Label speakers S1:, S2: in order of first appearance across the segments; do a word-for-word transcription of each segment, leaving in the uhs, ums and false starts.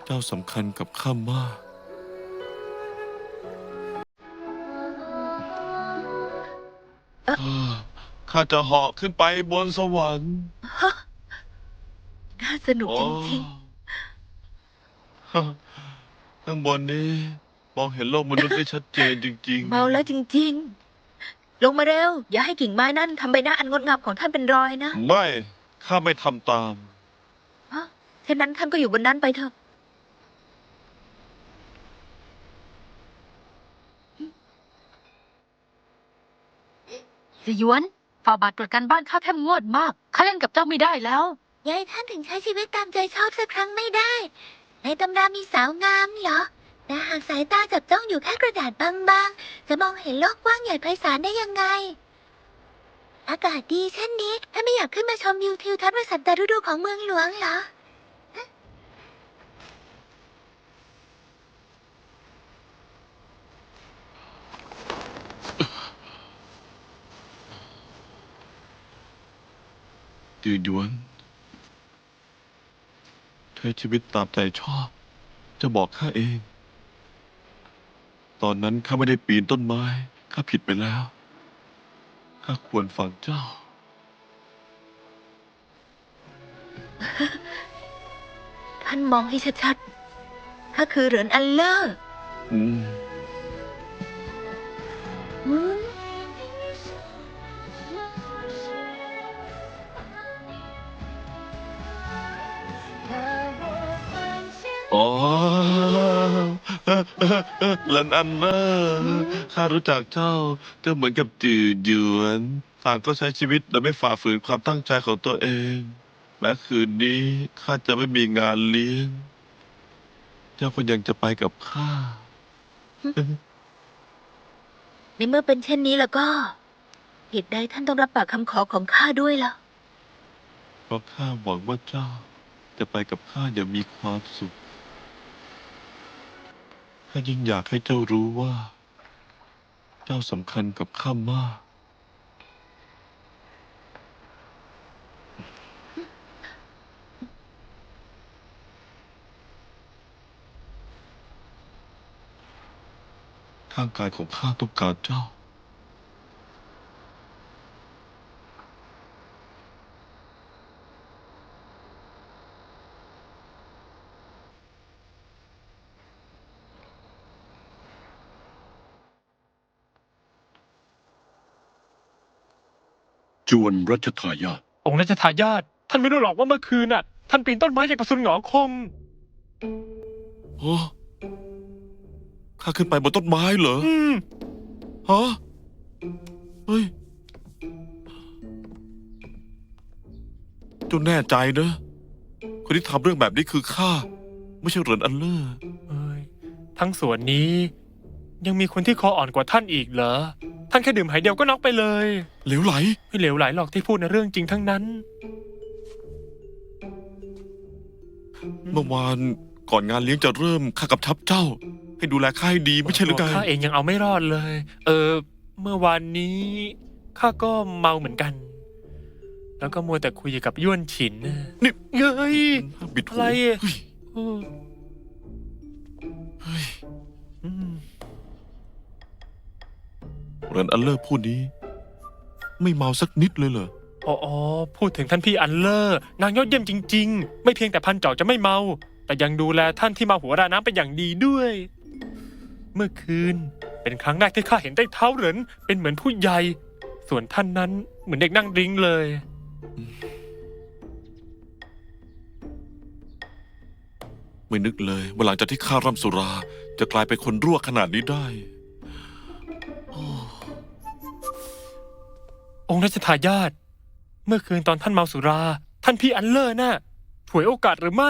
S1: เจ้าสำคัญกับข้ามากข้าจะเหาะขึ้นไปบนสวรรค์
S2: น่าสนุกจริง
S1: ข้างบนนี้มองเห็นโลกมนุษย์ได้ชัดเจนจริง
S2: ๆ
S1: ๆ
S2: เมาแล้วจริงๆ ลงมาเร็ว อย่าให้กิ่งไม้นั่นทำใบหน้าอันงดงามของท่านเป็นรอยนะ
S1: ไม่ ข้าไม่ทำตาม
S2: ฮะเช่นนั้นท่านก็อยู่บนนั้นไปเถอะ
S3: สยวนฝ่าบาทตรวจการบ้านข้าแทบงวดมากข้าเล่นกับเจ้าไม่ได้แล้ว
S2: ยายท่านถึงใช้ชีวิตตามใจชอบสักครั้งไม่ได้ ในตำรามีสาวงามเหรอ แต่หากสายตาจับจ้องอยู่แค่กระดาษบางๆ จะมองเห็นโลกกว้างใหญ่ไพศาลได้ยังไง อากาศดีเช่นนี้ท่านไม่อยากขึ้นมาชมวิวทิวทัศน์วสันตฤดูของเมืองหลวงเหรอ
S1: จือหยวนใช้ชีวิตตามใจชอบ จะบอกข้าเอง ตอนนั้นข้าไม่ได้ปีนต้นไม้ ข้าผิดไปแล้ว ข้าควรฟังเจ้า
S2: ท่านมองให้ชัดๆ ถ้าคือเหรินอันเลอร์
S1: อืม
S2: อืม
S1: อ๋อหลันอันเนอร์ข้ารู้จักเจ้า เจ้าเหมือนกับจือหยวนต่างก็ใช้ชีวิตโดยไม่ฝ่าฝืนความตั้งใจของตัวเอง แม้คืนนี้ข้าจะไม่มีงานเลี้ยง เจ้าก็ยังจะไปกับข้า
S2: ในเมื่อเป็นเช่นนี้แล้วก็ เหตุใดท่านต้องรับปากคำขอของข้าด้วยล่ะ
S1: เพราะข้าหวังว่าเจ้า จะไปกับข้าอย่างมีความสุข ข้ายิ่งอยากให้เจ้ารู้ว่า เจ้าสำคัญกับข้ามาก ทางกายของข้าต้องการเจ้า
S4: จวนรัชทายาท
S5: องค์รัชทายาทท่านไม่รู้หรอกว่าเมื่อคืนน่ะ ท่านปีนต้นไม้จากประสุนหงอคง
S1: ฮะข้าขึ้นไปบนต้นไม้เหรอ
S5: อืม
S1: ฮะ เฮ้ยเจ้าแน่ใจนะ คนที่ทำเรื่องแบบนี้คือข้า ไม่ใช่เหรินอันเลอร์
S5: เอ้ยทั้งส่วนนี้ ยังมีคนที่คออ่อนกว่าท่านอีกเหรอ ท่านแค่ดื่มหายเดียวก็น็อกไปเลย
S1: เหลวไหล
S5: ไม่เหลวไหลหรอกที่พูดในเรื่องจริงทั้งนั้น
S1: เมื่อวานก่อนงานเลี้ยงจะเริ่มข้ากำชับเจ้า ให้ดูแลข้าให้ดีไม่ใช่หรือไง
S5: ข้าเองยังเอาไม่รอดเลย เออ เมื่อวานนี้ข้าก็เมาเหมือนกัน แล้วก็มัวแต่คุยกับย้วนฉินน่ะ
S1: นี่
S5: เฮ้ย
S1: บิดหู
S5: อะไรอะ
S1: เฮ้ย
S5: เออ
S1: เฮ้ย
S5: อืม
S1: เหรินอันเลอร์ผู้นี้ ไม่เมาสักนิดเลยเหรอ
S5: อ๋ออ๋อพูดถึงท่านพี่อันเลอร์นางยอดเยี่ยมจริง ๆ ไม่เพียงแต่พันจอกจะไม่เมา แต่ยังดูแลท่านที่มาหัวราน้ำเป็นอย่างดีด้วย เมื่อคืนเป็นครั้งแรกที่ข้าเห็นใต้เท้าเหรินเป็นเหมือนผู้ใหญ่ ส่วนท่านนั้นเหมือนเด็กนั่งดริ้งเลย
S1: ไม่นึกเลยว่าหลังจากที่ข้าร่ำสุรา จะกลายเป็นคนรั่วขนาดนี้ได้
S5: องค์รัชทายาทเมื่อคืนตอนท่านเมาสุรา ท่านพี่อันเลอร์น่ะฉวยโอกาสหรือไม่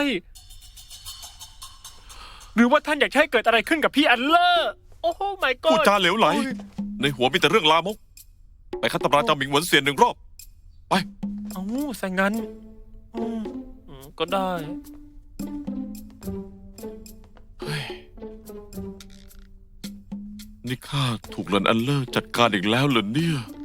S5: หรือว่าท่านอยากให้เกิดอะไรขึ้นกับพี่อันเลอร์โอ้โหไม่ก็
S1: พูดจาเหลวไหล ในหัวมีแต่เรื่องลามก ไปคัดตำราเจ้าหมิงหวนเซียนหนึ่งรอบ ไป
S5: เอ้าซะงั้นอืมอืมก็ได้
S1: นี่ข้าถูกเหรินอันเลอร์จัดการอีกแล้วเหรอเนี่ย